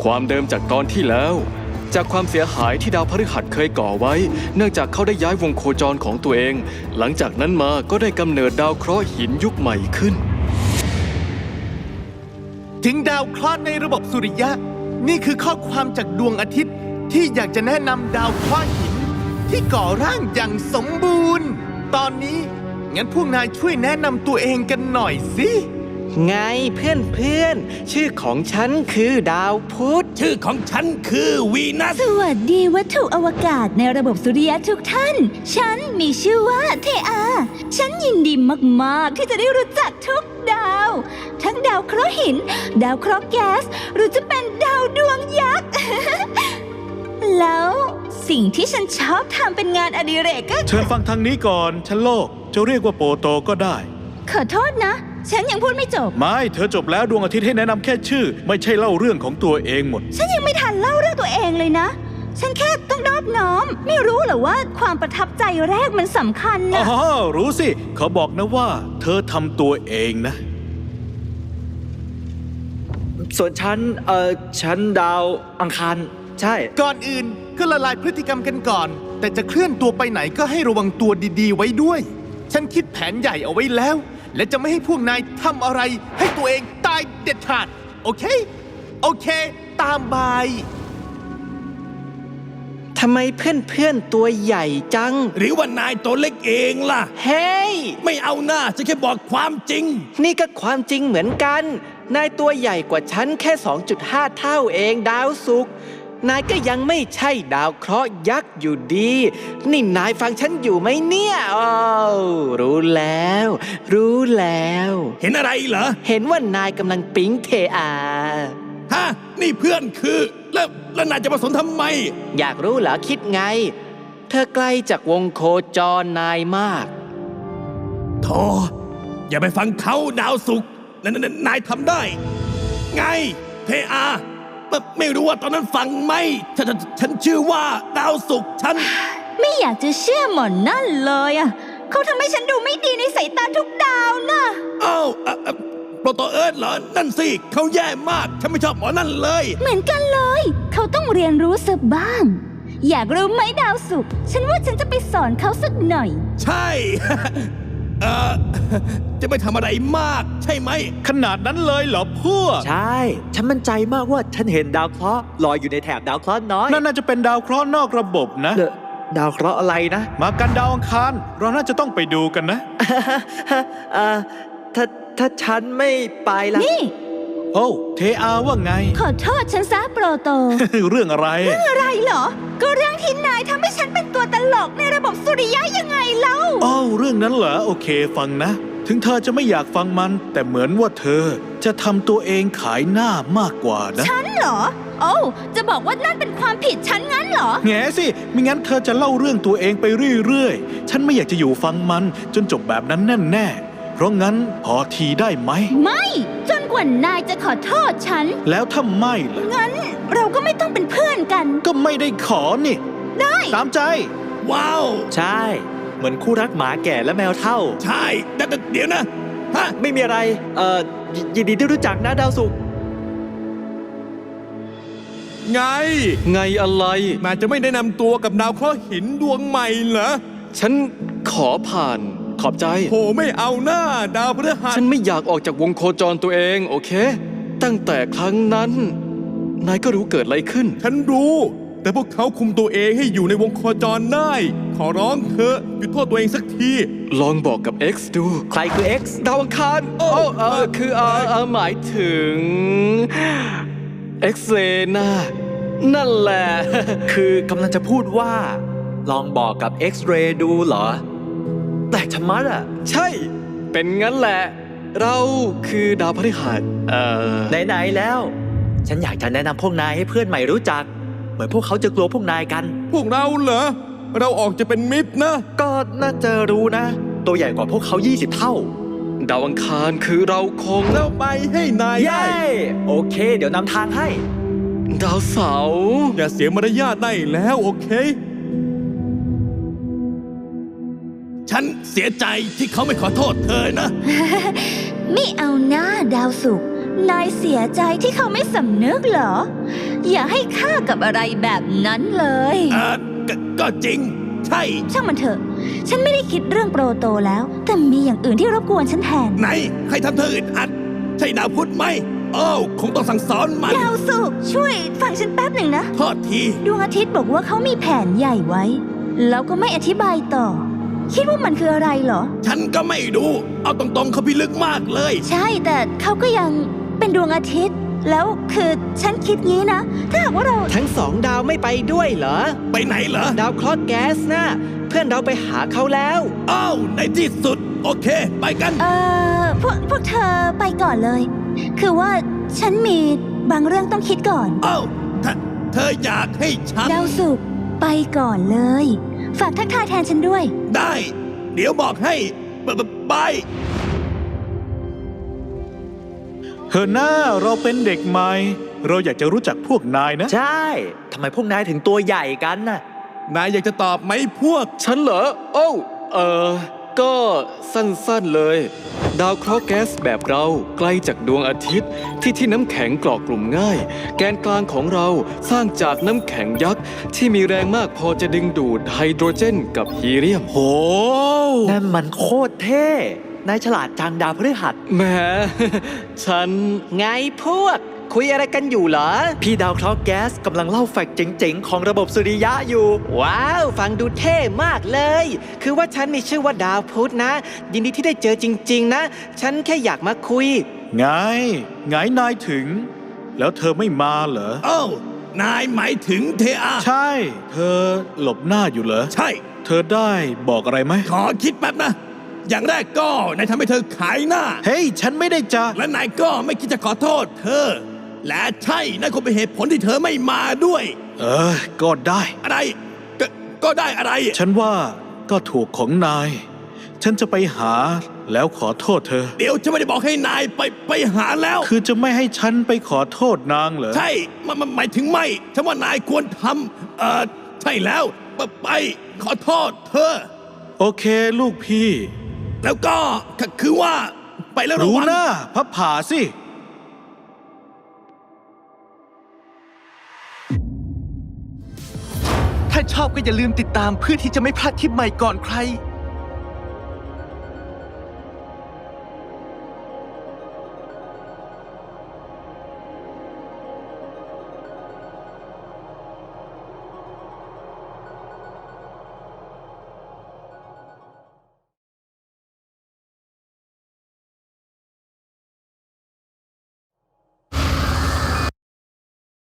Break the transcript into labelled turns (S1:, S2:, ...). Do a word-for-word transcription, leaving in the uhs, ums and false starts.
S1: ความเดิมจากตอนที่แล้วจากความเสียหายที่ดาวพฤหัสเคยก่อไว้เนื่องจากเขาได้ย้ายวงโคจรของตัวเองหลังจากนั้นมาก็ได้กำเนิดดาวเคราะห์หินยุคใหม่ขึ้น
S2: ถึงดาวเคราะห์ในระบบสุริยะนี่คือข้อความจากดวงอาทิตย์ที่อยากจะแนะนำดาวเคราะห์หินที่ก่อร่างอย่างสมบูรณ์ตอนนี้งั้นพวกนายช่วยแนะนำตัวเองกันหน่อยสิ
S3: ไงเพื่อนเพื่อนชื่อของฉันคือดาวพุธ
S4: ชื่อของฉันคือวีนัส
S5: สวัสดีวัตถุอวกาศในระบบสุริยะทุกท่านฉันมีชื่อว่าเทอาฉันยินดีมากๆที่จะได้รู้จักทุกดาวทั้งดาวเคราะห์หินดาวเคราะห์แก๊สหรือจะเป็นดาวดวงยักษ์ แล้วสิ่งที่ฉันชอบทำเป็นงานอดิเรกก็
S6: เชิญฟังทางนี้ก่อนฉันโลกจะเรียกว่าโปโตก็ได้
S5: ขอโทษนะฉันยังพูดไม่จบ
S6: ไม่เธอจบแล้วดวงอาทิตย์ให้แนะนำแค่ชื่อไม่ใช่เล่าเรื่องของตัวเองหมด
S5: ฉันยังไม่ทันเล่าเรื่องตัวเองเลยนะฉันแค่ต้องนอบน้อมไม่รู้เหรอว่าความประทับใจแรกมันสำคัญนะ
S6: อ๋อรู้สิเขาบอกนะว่าเธอทำตัวเองนะ
S3: ส่วนฉันเอ่อฉันดาวอังคารใช่
S2: ก่อนอื่นก็ละลายพฤติกรรมกันก่อนแต่จะเคลื่อนตัวไปไหนก็ให้ระวังตัวดีๆไว้ด้วยฉันคิดแผนใหญ่เอาไว้แล้วและจะไม่ให้พวกนายทำอะไรให้ตัวเองตายเด็ดขาดโอเคโอเคตามบาย
S3: ทำไมเพื่อนเพื่อนตัวใหญ่จัง
S4: หรือว่านายตัวเล็กเองล่ะ
S3: เฮ้ย
S4: ไม่เอาหน้าฉันแค่บอกความจริง
S3: นี่ก็ความจริงเหมือนกันนายตัวใหญ่กว่าฉันแค่ สองจุดห้า เท่าเองดาวศุกร์นายก็ยังไม่ใช่ดาวเคราะห์ยักษ์อยู่ดีนี่นายฟังฉันอยู่ไหมเนี่ยอ้าวรู้แล้วรู้แล้ว
S4: เห็นอะไรเหรอ
S3: เห็นว่านายกำลังปิ๊งเทอา
S4: ฮะนี่เพื่อนคือแล้วแล้วนายจะมาสนทำไม
S3: อยากรู้เหรอคิดไงเธอไกลจากวงโคจรนายมาก
S4: โธ่อย่าไปฟังเขาดาวศุกร์นายทำได้ไงเทอาไม่รู้ว่าตอนนั้นฟังไหมฉันฉันชื่อว่าดาวศุกร์ฉัน
S5: ไม่อยากจะเชื่อหมอนนั่นเลยอ่ะเขาทำให้ฉันดูไม่ดีในสายตาทุกดาวนะ
S4: อ้าวโปรโตเอิร์ธเหรอนั่นสิเขาแย่มากฉันไม่ชอบหมอนั่นเลย
S5: เหมือนกันเลยเขาต้องเรียนรู้สักบ้างอยากรู้ไหมดาวศุกร์ฉันว่าฉันจะไปสอนเขาสักหน่อย
S4: ใช่ เออจะไม่ทำอะไรมากใช่ไหม
S6: ขนาดนั้นเลยเหรอพวก
S3: ใช่ฉันมั่นใจมากว่าฉันเห็นดาวเคราะห์ลอยอยู่ในแถบดาวเคราะห์น้อย
S6: นั่นน่าจะเป็นดาวเคราะห์นอกระบบนะ
S3: ดาวเคราะห์อะไรนะ
S6: มากันดาวอังคารเราน่าจะต้องไปดูกันนะ
S3: เอ่อถ้าถ้าฉันไม่ไปล่ะ
S5: นี่
S6: โอ้เทอาว่าไง
S5: ขอโทษฉันซะโปรโต
S6: เรื่องอะไร
S5: เรื่องอะไรเหรอก็เรื่องที่นายทำให้ฉันเป็นตัวตลกในระบบสุริยะยังไงเล่า
S6: อ้าวเรื่องนั้นเหรอโอเคฟังนะถึงเธอจะไม่อยากฟังมันแต่เหมือนว่าเธอจะทำตัวเองขายหน้ามากกว่านะ
S5: ฉันเหรอโอ้จะบอกว่านั่นเป็นความผิดฉันงั้นเหรอ
S6: แง่สิไม่งั้นเธอจะเล่าเรื่องตัวเองไปเรื่อยๆฉันไม่อยากจะอยู่ฟังมันจนจบแบบนั้นแน่ๆเพราะงั้นพอทีได้ไหม
S5: ไม่จนกว่านายจะขอโทษฉัน
S6: แล้วถ้าไม่ล่ะ
S5: งั้นเราก็ไม่ต้องเป็นเพื่อนกัน
S6: ก็ไม่ได้ขอนี่
S5: ได้
S6: ตามใจ
S4: ว้าว
S3: ใช่เหมือนคู่รักหมาแก่และแมวเฒ่า
S4: ใช่แต่เดี๋ยวนะฮะ
S3: ไม่มีอะไรเอ่อยินดีที่รู้จักนะดาวศุกร์
S4: ไง
S1: ไงอะไร
S4: นายจะไม่แนะนำตัวกับดาวเคราะห์หินดวงใหม่เหรอ
S1: ฉันขอผ่านขอบใจ
S4: โหไม่เอาหน้าดาวพฤหัส
S1: ฉันไม่อยากออกจากวงโคจรตัวเองโอเคตั้งแต่ครั้งนั้นนายก็รู้เกิดอะไรขึ้น
S4: ฉันรู้แต่พวกเขาคุมตัวเองให้อยู่ในวงโคจรได้ขอร้องเธอหยุดโทษตัวเองสักที
S1: ลองบอกกับ X ดู
S3: ใครคือ X
S1: ดาวอังคารโอ้เออคือเออเออหมายถึง X เรน่านั่นแหละ
S3: คือกำลังจะพูดว่าลองบอกกับ X-ray ดูเหรอแปลกชะมัดอ่ะ
S1: ใช่เป็นงั้นแหละเราคือดาวพฤหัสเอ่อ
S3: ไหนๆแล้วฉันอยากจะแนะนำพวกนายให้เพื่อนใหม่รู้จักเหมือนพวกเขาจะกลัวพวกนายกัน
S4: พวกเราเหรอเราออกจะเป็นมิตรนะ
S3: ก็น่าจะรู้นะตัวใหญ่กว่าพวกเขายี่สิบเท่า
S1: ดาวอังคารคือเราคง
S4: เราไปให้นายได้
S3: โอเคเดี๋ยวนำทางให้
S1: ดาวเสาร์
S4: อย่าเสียมารยาทได้แล้วโอเคฉันเสียใจที่เขาไม่ขอโทษเธอนะ
S5: ไม่เอาหน้าดาวศุกร์นายเสียใจที่เขาไม่สำนึกเหรอ อย่าให้ค่ากับอะไรแบบนั้นเลย
S4: เออก็ก็จริง ใช่
S5: ช่างมันเถอะ ฉันไม่ได้คิดเรื่องโปรโตแล้ว แต่มีอย่างอื่นที่รบกวนฉันแทน
S4: ไหน ใครทำเธออึดอัด ใช่ดาวพุธไหมโอ้าวคงต้องสั่งสอนมัน
S5: ดาวสุกร์ช่วยฟังฉันแป๊บหนึ่งนะ
S4: โทษที
S5: ดวงอาทิตย์บอกว่าเขามีแผนใหญ่ไว้ แล้วก็ไม่อธิบายต่อ คิดว่ามันคืออะไรเหรอ
S4: ฉันก็ไม่รู้ เอาตรงๆเขาพิลึกมากเลย
S5: ใช่แต่เขาก็ยังเป็นดวงอาทิตย์ แล้วคือฉันคิดงี้นะ ถ้าหากว่าเรา
S3: ทั้งสองดาวไม่ไปด้วยเหรอ
S4: ไปไหนเหรอ
S3: ดาวเคราะห์แก๊สนะเพื่อนเราไปหาเขาแล้ว
S4: อ้าวในที่สุด โอเค ไปกัน
S5: เอ่อพวกพวกเธอไปก่อนเลย คือว่าฉันมีบางเรื่องต้องคิดก่อน
S4: อ้าวเธอเธออยากให้ฉัน
S5: ดาวสุกร์ไปก่อนเลย ฝากทักทายแทนฉันด้วย
S4: ได้ เดี๋ยวบอกให้บบบไป
S6: เฮอหน้าเราเป็นเด็กใหม่ เราอยากจะรู้จักพวกนายนะ
S7: ใช่ ทำไมพวกนายถึงตัวใหญ่กันน่ะ
S4: นายอยากจะตอบไหมพวก
S1: ฉันเหรอ โอ้วเออ ก็สั้นๆเลย ดาวเคราะห์แก๊สแบบเราไกลจากดวงอาทิตย์ ที่ที่น้ำแข็งเกาะกลุ่มง่าย แกนกลางของเราสร้างจากน้ำแข็งยักษ์ ที่มีแรงมากพอจะดึงดูดไฮโดรเจนกับฮีเลียม
S6: โห
S7: นั่นมันโคตรเท่ นายฉลาดจังดาวพฤหัส
S1: แหม ฉัน
S3: ไงพวก คุยอะไรกันอยู่เหรอ
S7: พี่ดาวเคราะห์แก๊สกำลังเล่าแฟกต์เจ๋งๆ ของระบบสุริยะอยู่
S3: ว้าว ฟังดูเท่มากเลย คือว่าฉันมีชื่อว่าดาวพุธนะ ยินดีที่ได้เจอจริง ๆ นะ ฉันแค่อยากมาคุย
S6: ไง ไงนายถึง แล้วเธอไม่มาเหรอ
S4: อ้าว นายหมายถึงเทอา
S6: ใช่ เธอหลบหน้าอยู่เหรอ
S4: ใช่
S6: เธอได้บอกอะไรไหม
S4: ขอคิดแป๊บนะ อย่างแรกก็นายทำให้เธอขายหน้า
S6: เฮ้ย ฉันไม่ได้จะ
S4: และนายก็ไม่คิดจะขอโทษเธอ และใช่นั่นคงเป็นเหตุผลที่เธอไม่มาด้วย
S6: เออ ก็ได้
S4: อะไร ก็ก็ได้อะไร
S6: ฉันว่าก็ถูกของนาย ฉันจะไปหาแล้วขอโทษเธอ
S4: เดี๋ยวจะไม่ได้บอกให้นายไปไปหาแล้ว
S6: คือจะไม่ให้ฉันไปขอโทษนางเหรอ
S4: ใช่มันมันหมายถึงไม่ฉันว่านายควรทำเอ่อ ใช่แล้ว ไปไปขอโทษเธอ
S6: โอเคลูกพี่
S4: แล้วก็คือคือว่าไปแล้วระ
S6: รู้
S4: วัง
S6: หน้าพับผ่าสิ
S2: ถ้าชอบก็อย่าลืมติดตามเพื่อที่จะไม่พลาดคลิปใหม่ก่อนใคร